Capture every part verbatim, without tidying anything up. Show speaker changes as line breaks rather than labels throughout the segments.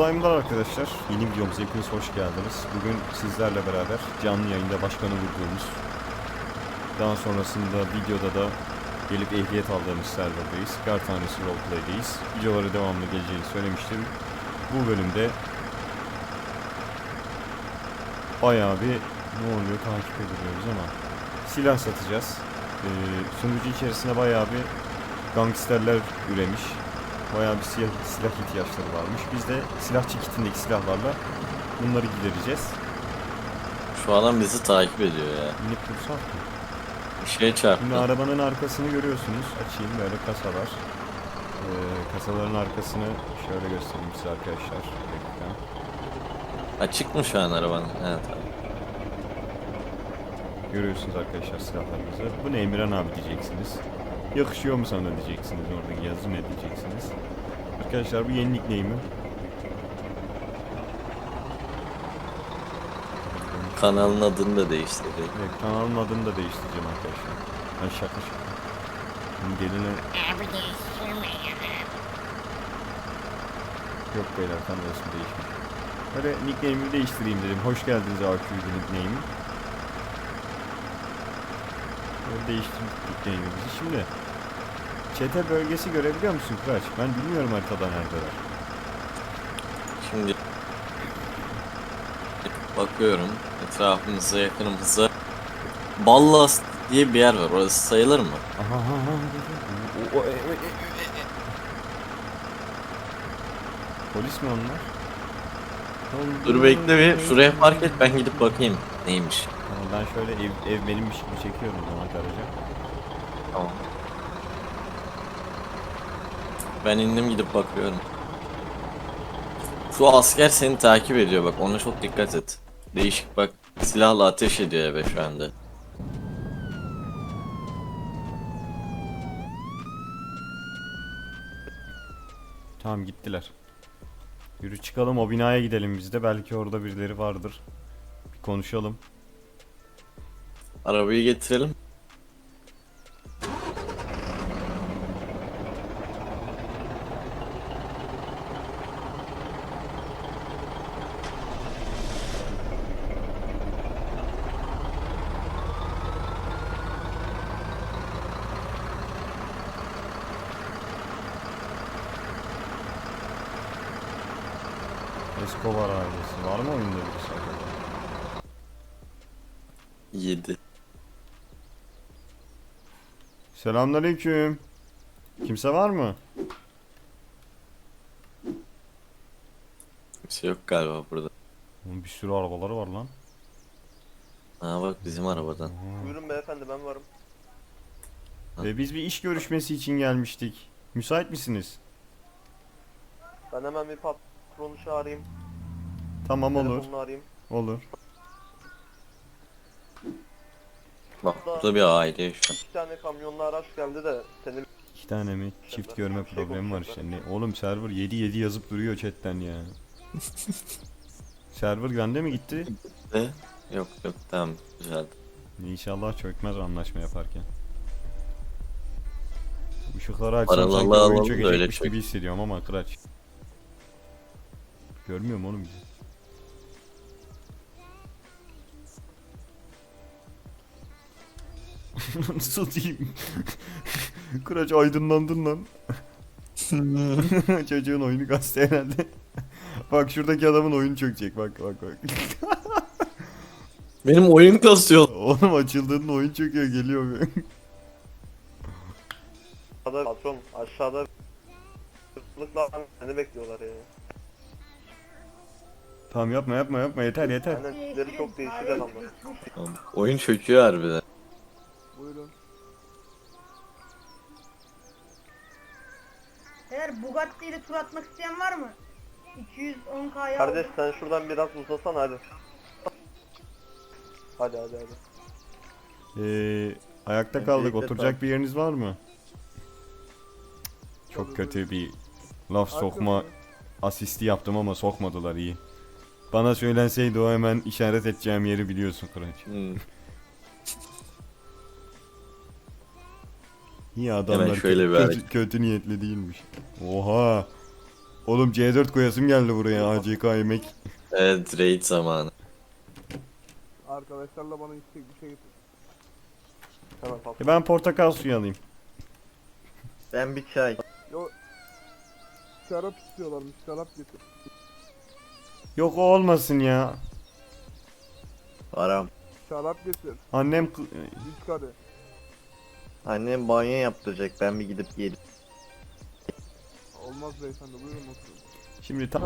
Selamlar arkadaşlar. Yeni videomuza hepiniz hoş geldiniz. Bugün sizlerle beraber canlı yayında başkanı vurduğumuz, daha sonrasında videoda da gelip ehliyet aldığımız serverdayız. Kar tanesi roleplay'deyiz. Videoları devamlı geleceğini söylemiştim. Bu bölümde bayağı bir ne oluyor takip ediyoruz ama silah satacağız. Ee, sunucu içerisinde bayağı bir gangsterler üremiş. Bayağı bir silah, silah ihtiyaçları varmış. Biz de silahçı kitindeki silahlarla bunları gidereceğiz.
Şu adam bizi takip ediyor ya.
Yine kursak mı?
Bir şey çarptı.
Şimdi arabanın arkasını görüyorsunuz. Açayım, böyle kasalar. Ee, kasaların arkasını şöyle göstereyim size arkadaşlar. Bir dakika.
Açık mı şu an arabanın? Evet abi.
Görüyorsunuz arkadaşlar silahlarımızı. Bu ne Emirhan abi diyeceksiniz. Yakışıyor mu sana diyeceksiniz. Oradaki yazı ne diyeceksiniz. Arkadaşlar bu yeni nickname'im.
Kanalın adını da değiştirdi.
Evet, kanalın adını da değiştireceğim arkadaşlar. Ben şaka şaka. Şimdi geline... Yok beyler, tam resmi değişmiş. Böyle nickname'imi değiştireyim dedim. Hoş geldiniz A Q'ydu nickname'im. Böyle değiştirdik nickname'imizi. Şimdi çete bölgesi görebiliyor musun Kıraç? Ben bilmiyorum haritada neredeler.
Şimdi bakıyorum etrafımıza, yakınımıza. Ballas diye bir yer var. Orası sayılır mı?
Aha aha aha. O, o, e, e, e, e. Polis mi onlar?
Dur bekle bir. Şuraya park et, ben gidip bakayım neymiş.
Tamam, ben şöyle ev, ev benimmiş gibi çekiyorum o zaman garaja.
Tamam. Ben indim, gidip bakıyorum. Şu asker seni takip ediyor, bak ona çok dikkat et. Değişik bak, silahla ateş ediyor eve şu anda.
Tamam, gittiler. Yürü çıkalım, o binaya gidelim biz de. Belki orada birileri vardır. Bir konuşalım.
Arabayı getirelim.
Escobar ailesi. Var mı oyunda birisi acaba?
yedi.
Selamünaleyküm. Kimse var mı?
Bir şey yok galiba burada.
Oğlum bir sürü arabaları var lan.
Ha bak, bizim arabadan.
Buyurun beyefendi, ben varım.
Ve biz bir iş görüşmesi için gelmiştik. Müsait misiniz?
Ben hemen bir patronu çağırayım.
Tamam, olur.
Telefonunu arayayım.
Olur.
Bak burada bir aile yaşıyor.
İki tane kamyonlu araç geldi de seni
İki tane mi? Çift görme problemi var işte. Ne? Oğlum server yedi yedi yazıp duruyor chatten ya. Server bende mi gitti?
De yok yok, tamam, güzeldi.
İnşallah çökmez anlaşma yaparken. Işıkları açsam
Paralı
sanki
alalım
oyun
da
çökecekmiş
öyle
gibi
çök.
hissediyorum ama Kıraç. Görmüyor mu oğlum bizi? Nasıl diyeyim? Kıraç aydınlandın lan. Çocuğun oyunu kastı herhalde. Bak şuradaki adamın oyunu çökecek, bak bak bak.
Benim oyun kasıyor.
Oğlum açıldığında oyun çöküyor, geliyor.
aşağıda patron aşağıda lıkla seni bekliyorlar ya.
Tamam, yapma yapma yapma, yeter yeter.
Aynen, tipleri çok değişik adamlar.
Tamam, oyun çöküyor harbiden.
Buyurun.
Eğer Bugatti ile tur atmak isteyen var mı? iki yüz on K'ya
Kardeş sen şuradan biraz uzasan hadi. Hadi hadi hadi.
Ee, ayakta kaldık.
Öncelikle
Oturacak bir yeriniz var mı? Çok kötü bir laf sokma asisti yaptım ama sokmadılar, iyi. Bana söylenseydi o hemen işaret edeceğim yeri biliyorsun Kıraç.
Hmm.
İyi adamlar
Hemen şöyle
kö-
bir
kötü,
hareket.
kötü niyetli değilmiş. Oha! Oğlum C dört koyasım geldi buraya. A C K yemek.
Evet, raid zamanı.
Arkadaşlarla bana istek bir şey getir.
Hemen patron.
E ben portakal suyu alayım.
Ben bir çay.
Yo, şarap istiyorlarmış, şarap getir.
Yok o olmasın ya.
Param.
Şarap getir.
Annem kı-
Üç kare.
Annem banyo yaptıracak. Ben bir gidip gelip.
Olmaz beyefendi, buyurun oturun.
şimdi tamam.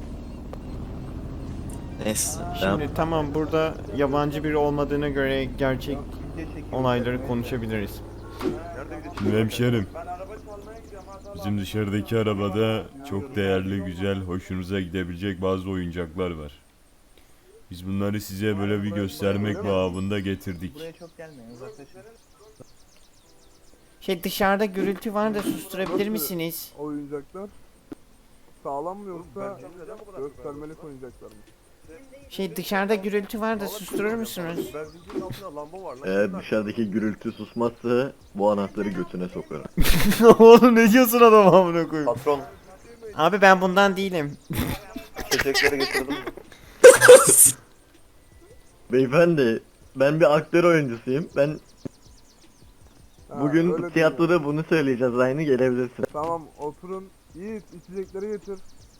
Neyse. Ben
Şimdi tamam burada yabancı biri olmadığına göre gerçek olayları konuşabiliriz. Şimdi hemşerim. Bizim dışarıdaki arabada çok değerli, güzel, hoşunuza gidebilecek bazı oyuncaklar var. Biz bunları size böyle bir göstermek babında getirdik.
Buraya çok gelmeyin, uzaklaşın.
Şey dışarıda gürültü var da susturabilir
Nasıl
misiniz?
Oyuncaklar sağlam mı yoksa göstermelik oyuncaklar mı?
Şey dışarıda gürültü var da susturur musunuz?
Ben zincirin altında lamba var lan. Eğer dışarıdaki gürültü susmazsa bu anahtarı götüne sokarım.
Oğlum ne diyorsun adam amına koyayım?
Patron,
Abi ben bundan değilim.
çiçekleri getirdim. Beyefendi, ben bir aktör oyuncusuyum. Ben
Ha,
bugün
öyle
tiyatroda bunu söyleyeceğiz. Aynı gelebilirsin.
diyor. Tamam, oturun. Yiğit, içecekleri getir.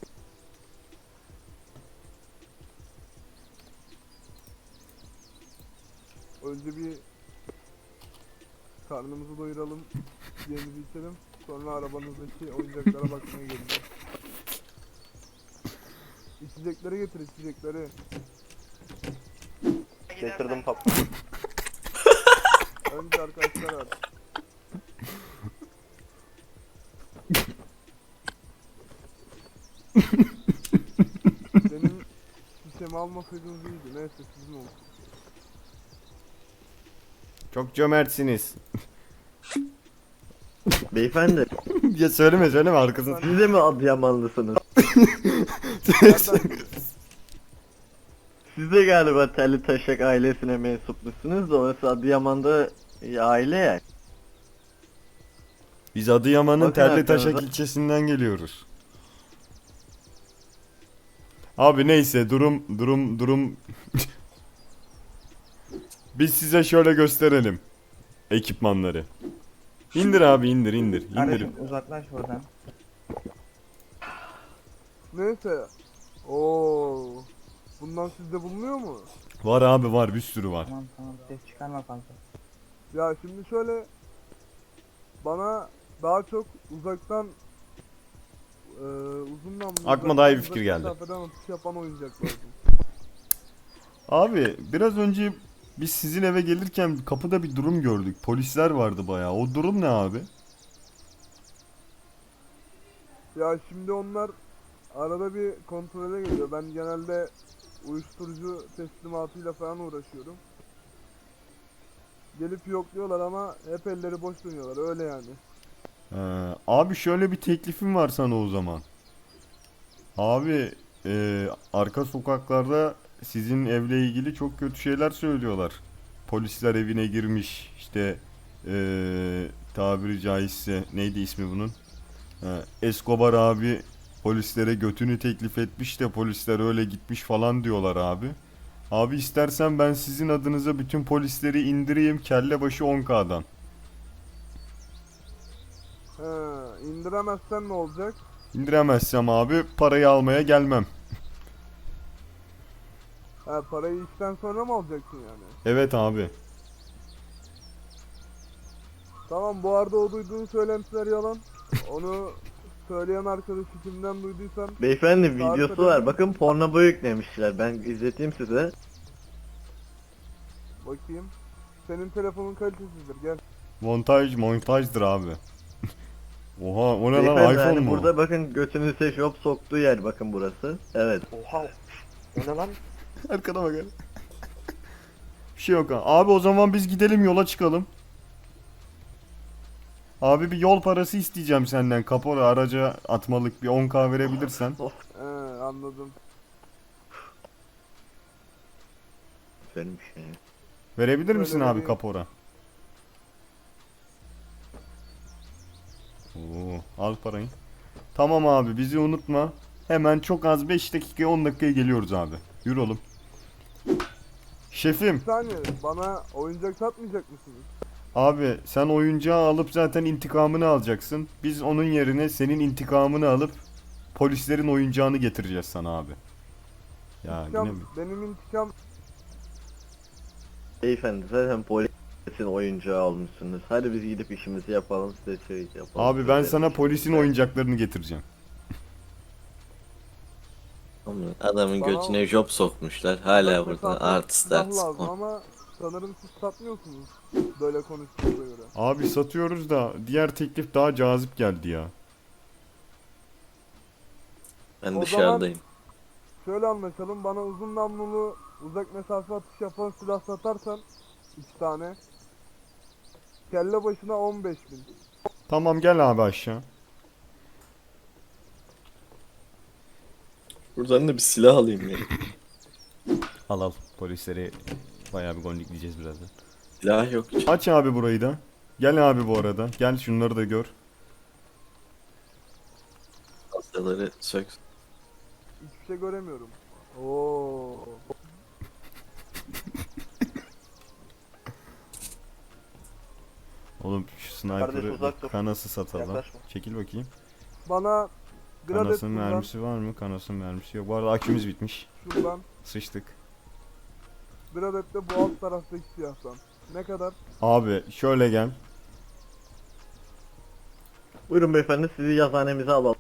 Önce bir karnımızı doyuralım, yiyeceğimizi içelim. Sonra arabanızdaki oyuncaklara bakmaya geleceğiz. İçecekleri getir, içecekleri.
Getirdim patron.
Önce arkadaşlar var. Benim şişemi almasaydınız iyiydi. Neyse sizin olsun.
Çok cömertsiniz.
Beyefendi,
Ya söyleme söyleme arkasını.
siz de mi Adıyamanlısınız?
Nereden?
Siz de galiba Telli Taşak ailesine mensuplusunuz da orası Adıyaman'da e, aile ya.
Biz Adıyaman'ın
Bakın
Terlitaşak
arkanıza.
ilçesinden geliyoruz. Abi neyse durum durum durum biz size şöyle gösterelim ekipmanları. İndir abi indir indir indir.
Kardeşim uzaklaş buradan.
Neyse. Oo. Bundan sizde bulunuyor mu?
Var abi var bir sürü var.
Tamam tamam, ses çıkarma fazla.
Ya şimdi şöyle, bana daha çok uzaktan eee uzun namlulu,
Aklıma
uzaktan
daha iyi bir
uzak
fikir geldi.
mesafeden atış yapan oyuncak lazım.
Abi biraz önce biz sizin eve gelirken kapıda bir durum gördük. Polisler vardı bayağı. O durum ne abi?
Ya şimdi onlar arada bir kontrole geliyor. Ben genelde uyuşturucu teslimatıyla falan uğraşıyorum. Gelip yokluyorlar ama hep elleri boş dönüyorlar, öyle yani.
Ee, abi şöyle bir teklifim var sana o zaman. Abi e, arka sokaklarda sizin evle ilgili çok kötü şeyler söylüyorlar. Polisler evine girmiş işte e, tabiri caizse neydi ismi bunun? Ha, Escobar abi polislere götünü teklif etmiş de polisler öyle gitmiş falan diyorlar abi. Abi istersen ben sizin adınıza bütün polisleri indireyim kelle başı on K'dan.
He, indiremezsen ne olacak?
İndiremezsem abi parayı almaya gelmem.
Ha, parayı işten sonra mı alacaksın yani?
Evet abi.
Tamam, bu arada o duyduğun söylentiler yalan. Onu söyleyen arkadaşı kimden duyduysan
Beyefendi
Tarif
videosu
edelim
var.
mi?
Bakın porno boy yüklemişler. Ben izleteyim size.
bakayım. Senin telefonun kalitesizdir, gel.
Montaj montajdır abi. Oha o ne lan
Beyefendi
iPhone
hani
mu?
burada bakın götünüze şop soktuğu yer bakın burası. Evet.
Oha. O ne lan?
Arkana bak. Bir şey yok ha. Abi o zaman biz gidelim yola çıkalım. Abi bir yol parası isteyeceğim senden. Kapora araca atmalık bir on K verebilirsen.
He, anladım.
Güzel bir şey.
Verebilir misin
Öyle
abi
vereyim.
kapora? Oo, al parayı. Tamam abi, bizi unutma. Hemen çok az beş dakika on dakikaya geliyoruz abi. Yürü oğlum. Şefim,
Bir saniye, bana oyuncak satmayacak mısınız?
abi sen oyuncağı alıp zaten intikamını alacaksın. Biz onun yerine senin intikamını alıp polislerin oyuncağını getireceğiz sana abi. Ya yine
İntikam,
mi?
benim intikam
Beyefendi zaten polisin oyuncağı olmuşsunuz. Hadi biz gidip işimizi yapalım, size şey yapalım.
Abi ben
Size
sana
işimizi
polisin
yapalım.
oyuncaklarını getireceğim.
Adamın
Bana-
götüne job sokmuşlar. Hala
Uzak
burada
mesafe
artist
silah
artist.
lazım ama sanırım siz satmıyorsunuz. Böyle konuştuğunuza göre.
Abi satıyoruz da diğer teklif daha cazip geldi ya.
Ben
O
dışarıdayım.
Şöyle anlaşalım, bana uzun namlulu uzak mesafe atış yapan silah satarsan iki tane kelle başına on beş bin.
Tamam gel abi aşağı.
Buradan da bir silah alayım ya.
Al al. Polisleri bayağı bir gondikleyeceğiz birazdan.
Silah yok.
Aç abi burayı da. Gel abi bu arada. Gel şunları da gör.
Hastaları sök.
Hiçbir şey göremiyorum. Oo.
Oğlum şu
Kardeş,
sniper'ı
uzak dur.
kanası satalım.
Yaklaşma.
Çekil bakayım.
Bana gradet
Kanasın
şuradan,
mermisi var mı? Kanasın mermisi yok. Bu arada akümüz bitmiş.
şuradan,
Sıçtık.
gradet de bu alt taraftaki siyahtan. Ne kadar?
Abi şöyle gel.
Buyurun beyefendi, sizi yazıhanemize alalım.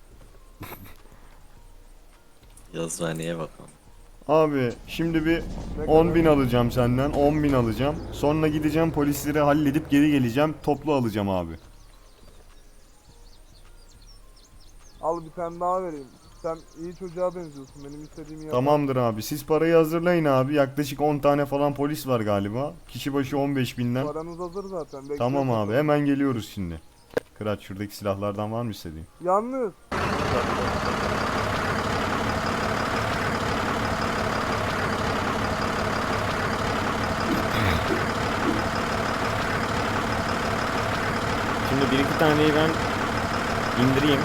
Yazıhaneye bakalım.
Abi şimdi bir
Ne
on
kadar?
bin alacağım senden. on bin alacağım. Sonra gideceğim polisleri halledip geri geleceğim. Toplu alacağım abi.
Al bir tane daha vereyim. Sen iyi çocuğa benziyorsun. Benim istediğimi yap.
Tamamdır abi. Siz parayı hazırlayın abi. Yaklaşık on tane falan polis var galiba. Kişi başı on beş binden.
Paranız hazır zaten. Bekle.
Tamam abi. Hemen geliyoruz şimdi. Kıraç şuradaki silahlardan var mı istediğin?
Yalnız
Şimdi bir iki taneyi ben indireyim.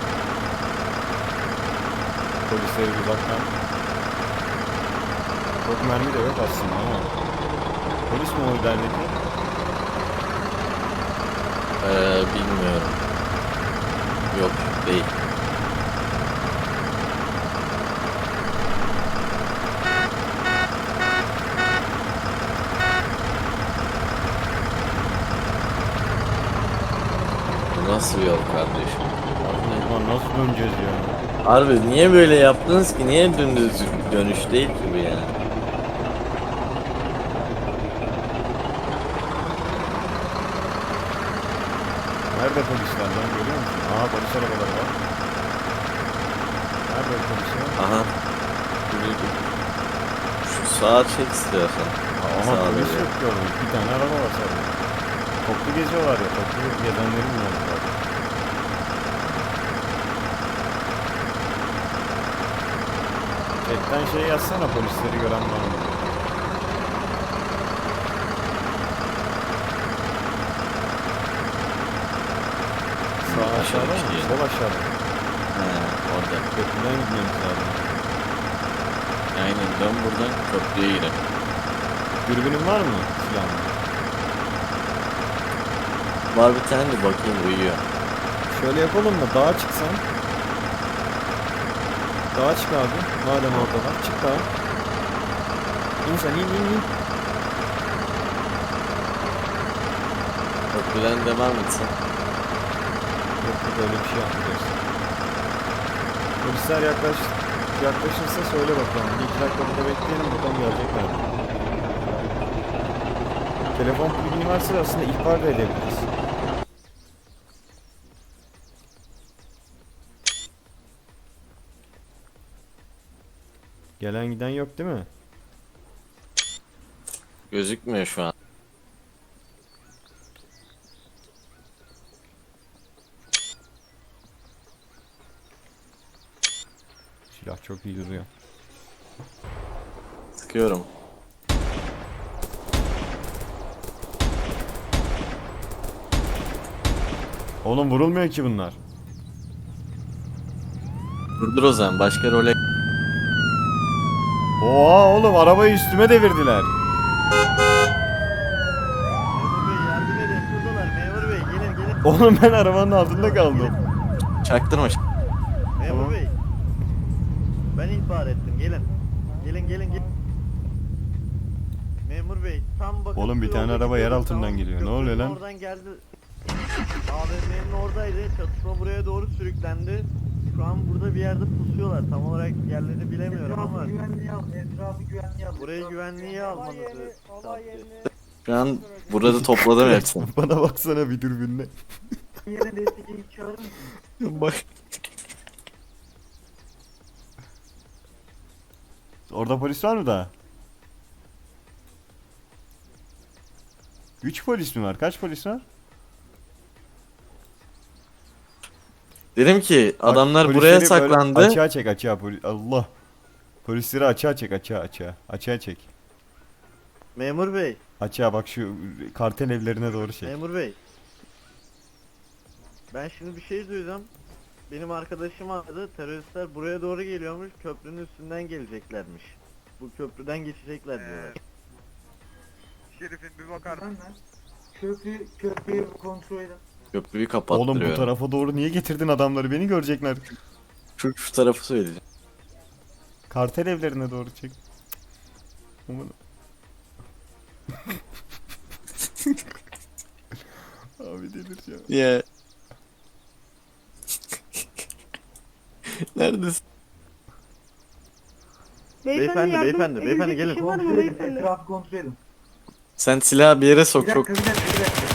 Polisleri uzaktan. Çok mermi de yok aslında ama. Polis mi o ilerideki?
Ee, bilmiyorum. Yok değil. Bu nasıl bir yol kardeşim?
Ulan nasıl döneceğiz ya?
Harbi niye böyle yaptınız ki? Niye dümdüz dönüş değil ki bu yani?
Nerede polisler lan, görüyor musun? Aha, polis arabaları var. Nerede polisler?
Aha. Dur, dur. Şu sağa çek istiyorsan.
Ama
Sağ ol
polis
ya.
yok ki orada. Bir tane araba var sadece. Toplu geziyorlar ya. Toplu gezenleri bulmamız lazım. Chatten şey yazsana, polisleri gören var mı? Sağ aşağıda mı?
şey.
Sol aşağıda.
He, orada.
Köprüden gitmemiz lazım.
Aynen dön buradan köprüye girelim.
Dürbünün var mı silahın?
Var bir tane de bakayım uyuyor.
Şöyle yapalım mı? Dağa çıksan. Dağa çık abi. Madem orada var. Çık dağa. İn sen, in in in.
Köprüden devam etsin.
Yok yok, öyle bir şey yapmayacağız. Polisler yaklaş, yaklaşırsa söyle bakalım. Bir iki dakika burada bekleyelim, bakalım gelecekler mi? Telefon bilgini varsa aslında ihbar da edebiliriz. Gelen giden yok değil mi?
Gözükmüyor şu an.
Silah çok iyi duruyor.
Sıkıyorum.
Oğlum vurulmuyor ki bunlar.
Durdur o zaman başka role.
Oha oğlum arabayı üstüme devirdiler.
Memur bey yardım edin. Şuradalar. Memur bey gelin gelin.
Oğlum ben arabanın altında kaldım.
Çaktırma.
Memur
Tamam.
bey. Ben ihbar ettim. Gelin. Gelin gelin gelin. Memur bey tam bakın.
Oğlum bir
şu
tane
yoldaki
araba yer
köprü,
altından
tamam,
geliyor. Ne
köprünün
oluyor lan?
Oradan geldi. A V M'nin oradaydı. Çatışma buraya doğru sürüklendi. Şu an burada bir yerde pusuyorlar. Tam olarak yerlerini bilemiyorum ama
güvenliği al. Etrafı güvenliği al.
burayı güvenliğe almanızı tavsiye ederim.
Şu an burada topladım hepsini.
Bana baksana bir dürbünle.
Yerine destek ekip çağırır mısın?
Bak.
Orada polis var mı daha? Üç polis mi var? Kaç polis var?
Dedim ki
Bak,
adamlar
polisleri
buraya
böyle
saklandı.
Açığa çek açığa poli Allah. Polisleri açığa çek açığa açığa. Açığa çek.
Memur bey,
Açığa bak şu kartel evlerine doğru çek.
memur bey. Ben şimdi bir şey duydum. Benim arkadaşım aradı. Teröristler buraya doğru geliyormuş. Köprünün üstünden geleceklermiş. Bu köprüden geçecekler diyorlar.
Şerif'in bir bakar
Ben lan. Köprü, köprüyü kontrol edin.
Köprüyü
Oğlum bu
kapattırıyorum.
tarafa doğru niye getirdin adamları? Beni görecekler.
Şu, şu tarafı söyleyeceğim.
Kartel evlerine doğru çek. Aman. Abi delireceğim.
Ya. Neredesin?
Beyefendi,
yardım-
beyefendi,
edecek
beyefendi
bir
gelin.
şey var mı
Kontrol edin.
beyefendi?
Etrafı kontrol edin.
Sen silahı bir yere sok
Bir
çok.
dakika bir dakika bir dakika.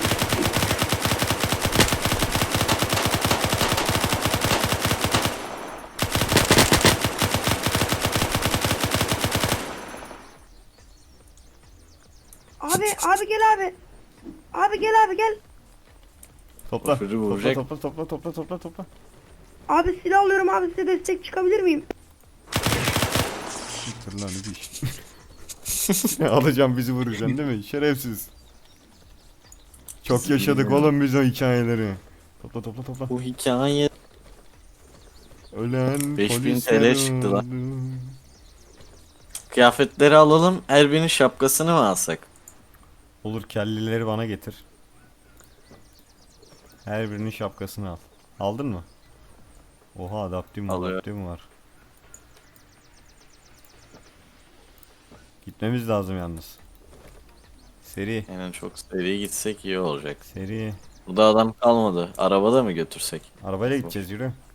Abi abi gel abi. Abi gel abi gel.
Topla.
Çocuğu
Topla
vuracak.
topla topla topla topla topla.
Abi silah alıyorum abi size destek çıkabilir miyim?
Siktir lan bir iş. Ne alacağım bizi vuracaksın değil mi? Şerefsiz. Çok yaşadık oğlum biz o hikayeleri. Topla topla topla.
Bu hikaye.
Ölen
beş bin
polisler
TL çıktı lan.
öldü.
Kıyafetleri alalım. Her birinin şapkasını mı alsak?
Olur kelleleri bana getir. Her birinin şapkasını al. Aldın mı? Oha adaptim
Alıyorum.
adaptim var. Gitmemiz lazım yalnız. Seri.
Yani çok seri gitsek iyi olacak.
Seri.
Burada adam kalmadı. Arabada mı götürsek?
Arabayla gideceğiz yürü.